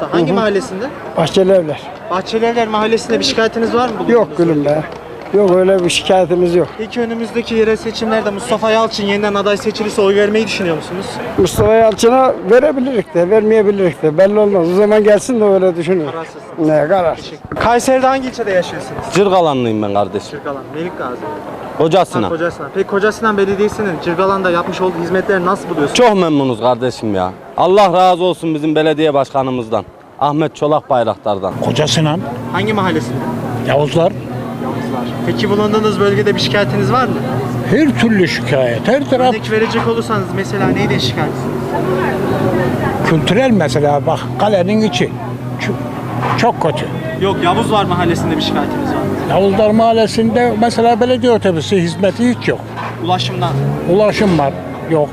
Usta. Hangi mahallesinde? Bahçelievler. Bahçelievler Mahallesi'nde bir şikayetiniz var mı? Yok gülüm be. Yok öyle bir şikayetimiz yok. Peki önümüzdeki yerel seçimlerde Mustafa Yalçın yeniden aday seçilirse oy vermeyi düşünüyor musunuz? Mustafa Yalçın'a verebilirik de vermeyebilirik de belli olmaz. O zaman gelsin de öyle düşünür. Kararsızsınız. Ne karar? Kayseri'de hangi ilçede yaşıyorsunuz? Cırgalanlıyım ben kardeşim. Cırgalan, Melik Gazi. Kocasına. Kocasinan. Peki Kocasinan Belediyesi'nin Cırgalan'da yapmış olduğu hizmetleri nasıl buluyorsunuz? Çok memnunuz kardeşim ya. Allah razı olsun bizim belediye başkanımızdan. Ahmet Çolak Bayraktar'dan. Kocasinan, Hangi mahallesinde? Yavuzlar, Yalnızlar. Peki bulunduğunuz bölgede bir şikayetiniz var mı? her türlü şikayet, her taraf Örnek verecek olursanız mesela neyden şikayetsiniz? kültürel mesela bak kalenin içi çok kötü. Yok, Yavuzlar Mahallesi'nde bir şikayetiniz var mı? Yavuzlar Mahallesi'nde mesela belediye otobüsü hizmeti hiç yok. Ulaşımdan. Ulaşım var, yok.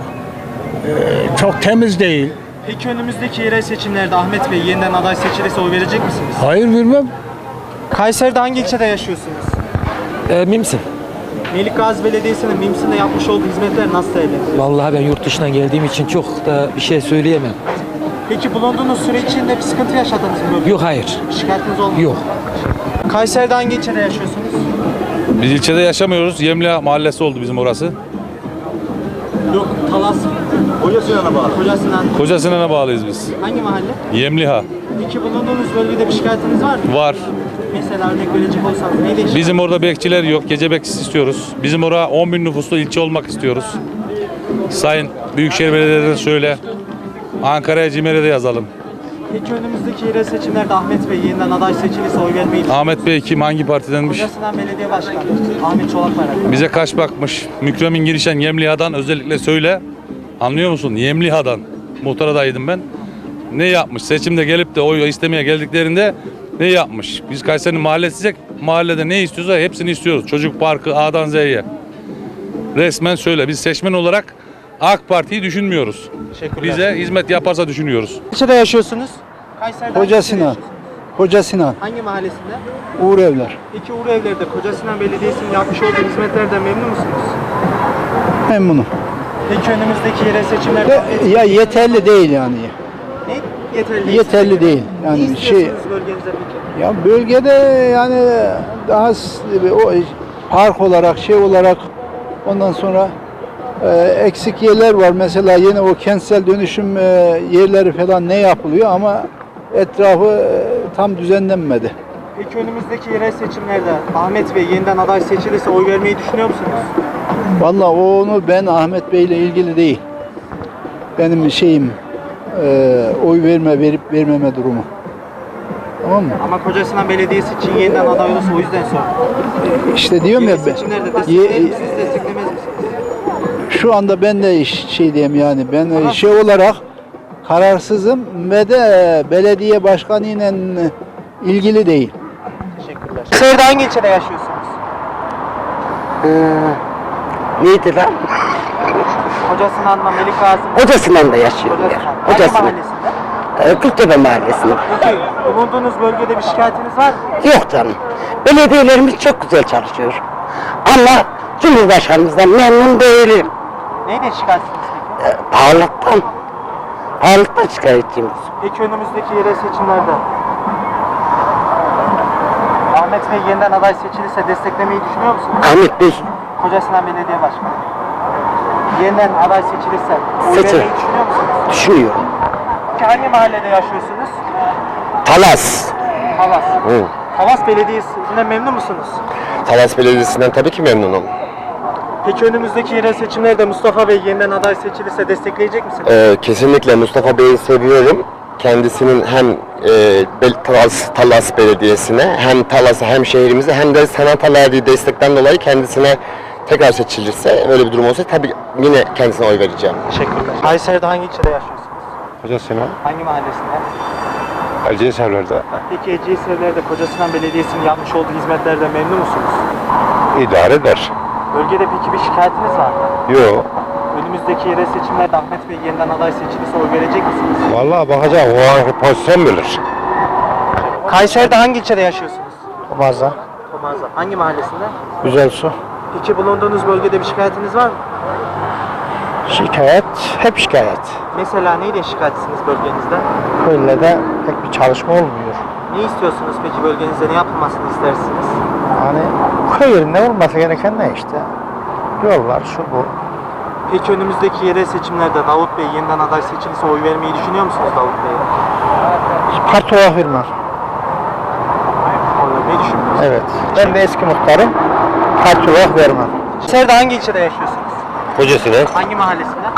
Çok temiz değil. Peki önümüzdeki yerel seçimlerde Ahmet Bey yeniden aday seçilirse oy verecek misiniz? Hayır vermem. Kayseri'de hangi ilçede yaşıyorsunuz? Mimsin. Melik Gazi Belediyesi'nin Mimsin'de yapmış olduğu hizmetler nasıl değerlendiriyorsunuz? Vallahi ben yurt dışından geldiğim için çok da bir şey söyleyemem. Peki bulunduğunuz süre içinde bir sıkıntı yaşadınız mı? Yok, hayır. Bir şikayetiniz olmadı mı? Yok. Kayseri'de hangi ilçede yaşıyorsunuz? Biz ilçede yaşamıyoruz. Yemli mahallesi oldu bizim orası. Yok, Talas. Kocasinan'a bağlı. Kocasinan'a bağlıyız biz. Hangi mahalle? Yemliha Peki bulunduğunuz bölgede bir şikayetiniz var mı? var. Mesela örnek verecek olsanız neydi şikayet? Bizim orada bekçiler yok. Gece bekçisi istiyoruz. Bizim orada 10 bin nüfuslu ilçe olmak istiyoruz. Sayın Büyükşehir Belediye'den söyle. Ankara'ya CİMER'e de yazalım. Peki önümüzdeki yerel seçimlerde Ahmet Bey yeniden aday seçilirse oy vermeyi Ahmet Bey kim? Hangi partidenmiş? Kocasinan Belediye Başkanı Ahmet Çolak Bayraktar. Bize kaç bakmış. Mükremin girişen Yemliha'dan özellikle söyle. Anlıyor musun? Yemliha'dan. Muhtar adayıydım ben. Ne yapmış? Seçimde gelip de oy istemeye geldiklerinde ne yapmış? Biz Kayseri'nin mahallesiysek mahallede ne istiyorsa hepsini istiyoruz. Çocuk parkı A'dan Z'ye. Resmen söyle. Biz seçmen olarak AK Parti'yi düşünmüyoruz. Teşekkürler. Bize hizmet yaparsa düşünüyoruz. İlçede yaşıyorsunuz? Kayseri'de hangi ilçede Kocasinan. yaşıyorsunuz? Kocasinan. Hangi mahallesinde? Uğur Evler. Peki Uğur Evler'de Kocasinan Belediyesi'nin yapmış olduğu hizmetlerden memnun musunuz? Memnunum. Peki önümüzdeki yerel seçimlerde Ya yeterli değil yani. ne? Yeterli. Yeterli değil. Ne Yani istiyorsunuz bölgenize peki? ya bölgede yani daha o park olarak şey olarak ondan sonra eksik yerler var. Mesela yeni o kentsel dönüşüm yerleri falan ne yapılıyor ama etrafı tam düzenlenmedi. Peki önümüzdeki yerel seçimlerde Ahmet Bey yeniden aday seçilirse oy vermeyi düşünüyor musunuz? Vallahi onu ben Ahmet Bey ile ilgili değil. Benim şeyim oy verip vermeme durumu. Tamam mı? Ama Kocasinan Belediyesi için yeniden aday olursa o yüzden sordum. İşte diyorum ya Yerel seçimlerde ye- destekler misiniz, desteklemez misiniz? şu anda ben de şey diyeyim yani ben şey olarak kararsızım ve de belediye başkanı ile ilgili değil. Teşekkürler. Kayseri'de hangi ilçede yaşıyorsunuz? Neydi lan? Kocasinan'da Melik Gazi. Hocasından da yaşıyorum ya. Kocasinan. Hangi Hocasından. mahallesinde? Kırktepe Mahallesi'nde. Peki bulunduğunuz bölgede bir şikayetiniz var mı? Yok canım. Belediyelerimiz çok güzel çalışıyor. Ama Cumhurbaşkanımızdan memnun değilim. Neyden şikayetsiniz peki? Pahalılıktan. Pahalılıktan şikayetçiyim. Peki önümüzdeki yerel seçimlerde Ahmet Bey yeniden aday seçilirse desteklemeyi düşünüyor musunuz? Ahmet Bey Kocasinan Belediye Başkanı. Yeniden aday seçilirse oy Seçil. vermeyi düşünüyor musunuz? düşünüyorum. Peki hangi mahallede yaşıyorsunuz? Talas. Talas. Hı. Talas Belediyesi'nden memnun musunuz? Talas Belediyesi'nden tabii ki memnunum. Peki önümüzdeki yerel seçimlerde Mustafa Bey yeniden aday seçilirse destekleyecek misiniz? Kesinlikle Mustafa Bey'i seviyorum. Kendisinin hem Talas Belediyesi'ne hem Talas'a hem şehrimize hem de sanata verdiği destekten dolayı kendisine tekrar seçilirse öyle bir durum olsa tabii yine kendisine oy vereceğim. Teşekkürler. Kayseri'de hangi ilçede yaşıyorsunuz? Kocasinan, Hangi mahallesinde? Erciyesevler'de Peki Ecevitler'de Kocasinan Belediyesi'nin yapmış olduğu hizmetlerden memnun musunuz? idare eder. Bölgede peki bir şikayetiniz var mı? Yok. Önümüzdeki yerel seçimlerde Ahmet Bey yeniden aday seçilirse oy verecek misiniz? Vallahi bakacağım. O anki pozisyon bilir. Kayseri'de hangi ilçede yaşıyorsunuz? Bazen Tomarza. Hangi mahallesinde? güzel su. Peki bulunduğunuz bölgede bir şikayetiniz var mı? Şikayet, hep şikayet. Mesela neyle şikayetsiniz bölgenizde? Böyle de pek bir çalışma olmuyor. Ne istiyorsunuz peki bölgenizde, ne yapılmasını istersiniz? Hani köy yerinde olması gereken ne işte? Yollar, şu bu. Peki önümüzdeki yerel seçimlerde Davut Bey yeniden aday seçilirse oy vermeyi düşünüyor musunuz Davut Bey'e? Parti olarak vermem. Oy vermeyi düşünmüyorsunuz. Evet. Ben de eski muhtarım. Parti olarak vermem. Kayseri'de hangi ilçede yaşıyorsunuz? Kocasına Hangi mahallesinde?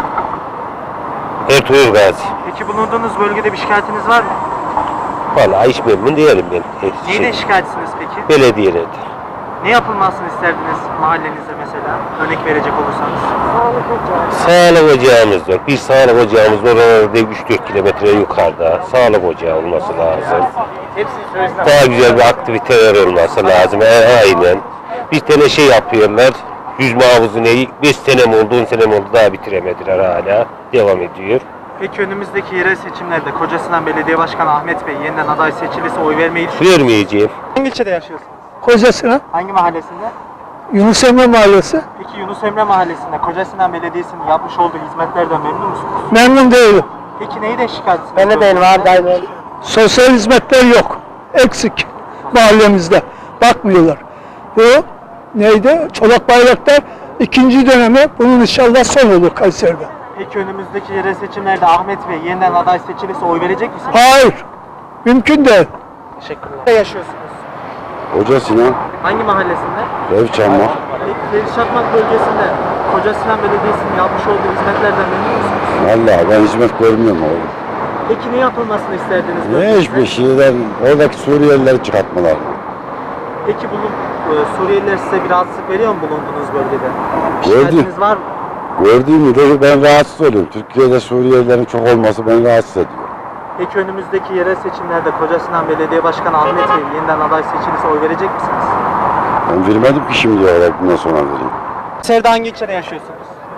Ertuğrul Gazi. Peki bulunduğunuz bölgede bir şikayetiniz var mı? Vallahi hiç memnun değilim ben. Neyden şikayetsiniz peki? Belediyelerde. Ne yapılmasını isterdiniz mahallenizde mesela? Örnek verecek olursanız. Sağlık ocağımız yok. Bir sağlık ocağımız var orada 3-4 kilometre yukarıda. Sağlık ocağı olması lazım. Daha güzel bir aktiviteler olması lazım. Aynen. Bir tane şey yapıyorlar. Yüzme havuzu neyi? 5 sene mi oldu, 10 sene mi oldu daha bitiremediler hala. Devam ediyor. Peki önümüzdeki yerel seçimlerde Kocasinan Belediye Başkanı Ahmet Bey yeniden aday seçilirse oy vermeyi düşünüyor musunuz? Vermeyeceğim. Hangi ilçede yaşıyorsunuz? Kocasına Hangi mahallesinde? Yunus Emre Mahallesi. Peki Yunus Emre Mahallesi'nde Kocasinan Belediyesi'nin yapmış olduğu hizmetlerden memnun musunuz? Memnun değilim. Peki neyden şikayetsiniz? Ben de değilim abi. Sosyal hizmetler yok. Eksik mahallemizde. Bakmıyorlar. Bu neydi? Çolak Bayraktar ikinci dönemi, bunun inşallah son olur Kayseri'de. Peki önümüzdeki yerel seçimlerde Ahmet Bey yeniden aday seçilirse oy verecek misiniz? Hayır. Mümkün değil. Teşekkürler. Nerede yaşıyorsunuz? Kocasına Hangi mahallesinde? ev çalmak. Peki Feriş Çakmak bölgesinde Kocasinan Belediyesi'nin yapmış olduğu hizmetlerden memnun musunuz? Vallahi ben hizmet görmüyorum oğlum. Peki ne yapılmasını isterdiniz? Ne bölgenizde? hiçbir şeyden oradaki Suriyelileri çıkartmalar. Peki Suriyeliler size bir rahatsızlık veriyor mu bulunduğunuz bölgede? Gördüm. Şikayetiniz var mı? Gördüğümü de ben rahatsız oluyorum. Türkiye'de Suriyelilerin çok olması beni rahatsız ediyor. Peki önümüzdeki yerel seçimlerde Kocasinan Belediye Başkanı Ahmet Bey yeniden aday seçilirse oy verecek misiniz? Ben vermedim ki şimdiye kadar bundan sonra vereyim. Kayseri'de hangi ilçede yaşıyorsunuz?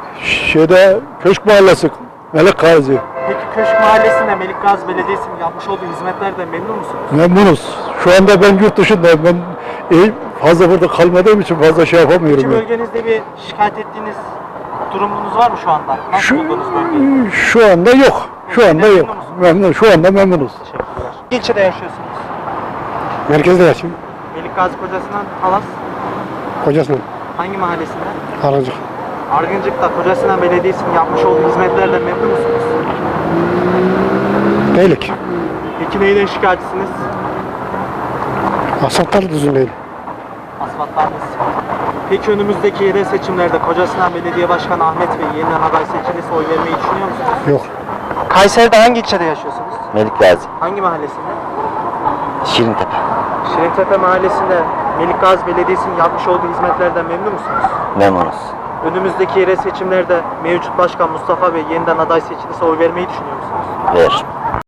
Köşk Mahallesi, Melek Gazi. Peki Köşk Mahallesi'nde Melik Gazi Belediyesi'nin yapmış olduğu hizmetlerden memnun musunuz? Memnunuz. Şu anda ben yurt dışındayım. Ben fazla burada kalmadığım için fazla şey yapamıyorum. Peki bölgenizde bir şikayet ettiğiniz durumunuz var mı şu anda? Nasıl buldunuz bölgeyi? Şu anda yok. Şu anda yok. Memnun. Şu anda memnunuz. Teşekkürler. Hangi ilçede yaşıyorsunuz? Merkezde yaşıyorum. Melik Gazi Kocasinan Talas. Kocasının. Hangi mahallesinde? Karıncık. Argıncık'ta Kocasinan Belediyesi'nin yapmış olduğu hizmetlerden memnun musunuz? Beylik. Peki neyden şikayetçisiniz? Asfaltlar düzgün değil. Asfaltlarınız. Peki önümüzdeki yerel seçimlerde Kocasinan Belediye Başkanı Ahmet Bey yeniden aday seçilirse oy vermeyi düşünüyor musunuz? Yok. Kayseri'de hangi ilçede yaşıyorsunuz? Melik Gazi. Hangi mahallesinde? Şirintepe. Şirintepe Mahallesi'nde Melik Gazi Belediyesi'nin yapmış olduğu hizmetlerden memnun musunuz? Memnunuz. Önümüzdeki yerel seçimlerde mevcut başkan Mustafa Bey yeniden aday seçilirse oy vermeyi düşünüyor musunuz? Ver.